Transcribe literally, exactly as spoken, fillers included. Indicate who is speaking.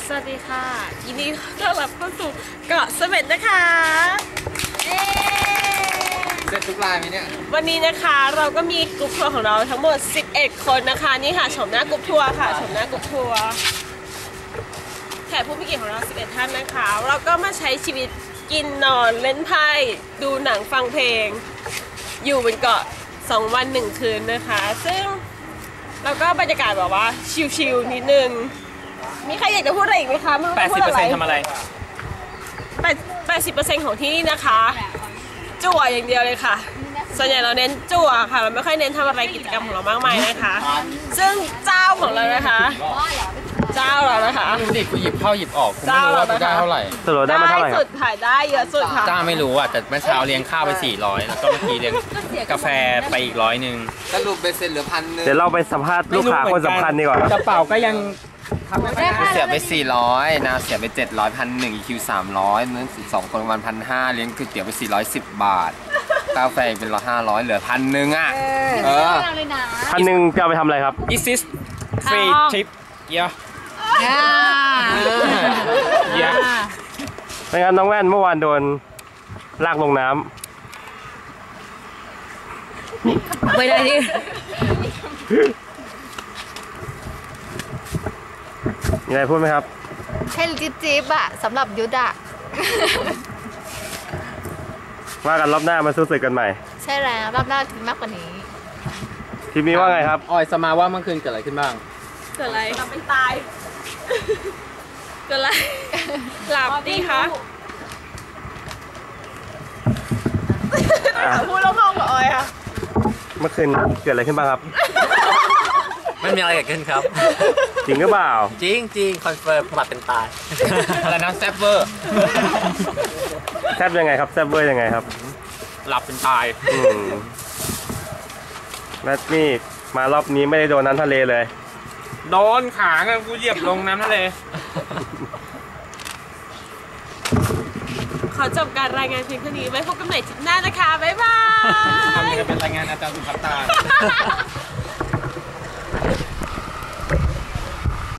Speaker 1: สวัสดีค่ะยินดีต้อนรับเข้าสู่เกาะเสม็ดนะคะ
Speaker 2: เสร็จทุกรายไหมเนี่ย
Speaker 1: วันนี้นะคะเราก็มีกลุ่มทัวร์ของเราทั้งหมดสิบเอ็ดคนนะคะนี่ค่ะชมหน้ากลุ่มทัวร์ค่ะชมหน้ากลุ่มทัวร์แขกผู้มีเกียรติของเราสิบเอ็ดท่านนะคะเราก็มาใช้ชีวิตกินนอนเล่นไพ่ดูหนังฟังเพลงอยู่บนเกาะสองวันหนึ่งคืนนะคะซึ่งเราก็บรรยากาศแบบว่าชิลๆนิดนึงมีใครอยากจะพูดอะไรอีกไหมคะไม่รู้จะพูดอะไร
Speaker 3: แปดสิบเปอร์เซ็นต์ ทำอะไร
Speaker 1: แปดสิบเปอร์เซ็นต์ของที่นี่นะคะจั่วอย่างเดียวเลยค่ะส่วนใหญ่เราเน้นจั่วค่ะเราไม่ค่อยเน้นทำอะไรกิจกรรมของเรามากมายนะคะซึ่งเจ้าของเรานะคะเจ้าเรานะคะ
Speaker 2: ดูดิกูหยิบเข้าหยิบออกกูไม่รู้ว่ากูได้เท่าไหร่
Speaker 3: สรุปได้มาเท่าไหร่ค
Speaker 1: สุ
Speaker 3: รับ
Speaker 1: ดถ่ายได้เยอะสุดค่ะ
Speaker 2: จ้าไม่รู้อ่ะแต่เมื่อเช้าเลี้ยงข้าวไปสี่ร้อยแล้วก็เมื่อกี้เลี้ยงกาแฟไปอีกร้อยหนึ่งสรุปเบสเซ็นเหลือพันนึง
Speaker 3: เดี๋ยวเราไปสัมภาษณ์ลูกค้าคนสำคัญดีกว่าก
Speaker 2: ระเป๋าก็ยังเสียไปสี่ร้อยนาเสียไปเจ็ดร้อยพันหนึ่งอีคิวสามร้อยนั้นสองคนวันพันห้าเลี้ยงก๋วยเตี๋ยวไปสี่ร้อยสิบบาทกาแฟเป็นร้อยห้าร้อยเหลือพันหนึ่งอ่ะเออ
Speaker 3: พันหนึ่งจะเอาไปทำอะไรครับ
Speaker 2: This is free trip เยอะเยอะ
Speaker 3: เป็นไงน้องแว่นเมื่อวานโดนลากลงน้
Speaker 4: ำไม่ได้ดิ
Speaker 3: มีอะไรพูดไหมครับ
Speaker 4: แค่จิ๊บจิ๊บอะสำหรับยุทธอะ
Speaker 3: ว่ากันรอบหน้ามาสู้ศึกกันใหม่
Speaker 4: ใช่แล้วรอบหน้าถึงมากกว่านี้
Speaker 3: ทีมนี้ว่าไงครับ
Speaker 2: ออยสมาว่าเมื่อคืนเกิดอะไรขึ้นบ้าง
Speaker 1: เกิดอะไรเราไม่ตายเกิดอะไรหลับดีคะต้องพูดแล้วมองกับออยค่ะ
Speaker 3: เมื่อคืนเกิดอะไรขึ้นบ้างครับ
Speaker 5: ไม่มีอะไรเกิดขึ้นครับ
Speaker 3: จริงหรือเปล่า
Speaker 5: จริงจริงคอนเฟิร์มหลับเป็นตาย
Speaker 2: อะไรนะแซฟเวอร์
Speaker 3: แซบยังไงครับแซบเวอร์ยังไงครับ
Speaker 2: หลับเป็นตาย
Speaker 3: แมทนี่มารอบนี้ไม่ได้โดนน้ำทะเลเลย
Speaker 2: โดนขาไงกูเหยียบลงน้ำทะเล
Speaker 1: ขอจบการรายงานเพียงเท่านี้ไว้พบกันใหม่ทริปหน้านะคะบ๊ายบาย
Speaker 2: ทำนี้ก็เป็นรายงานอาจารย์สุภัตตา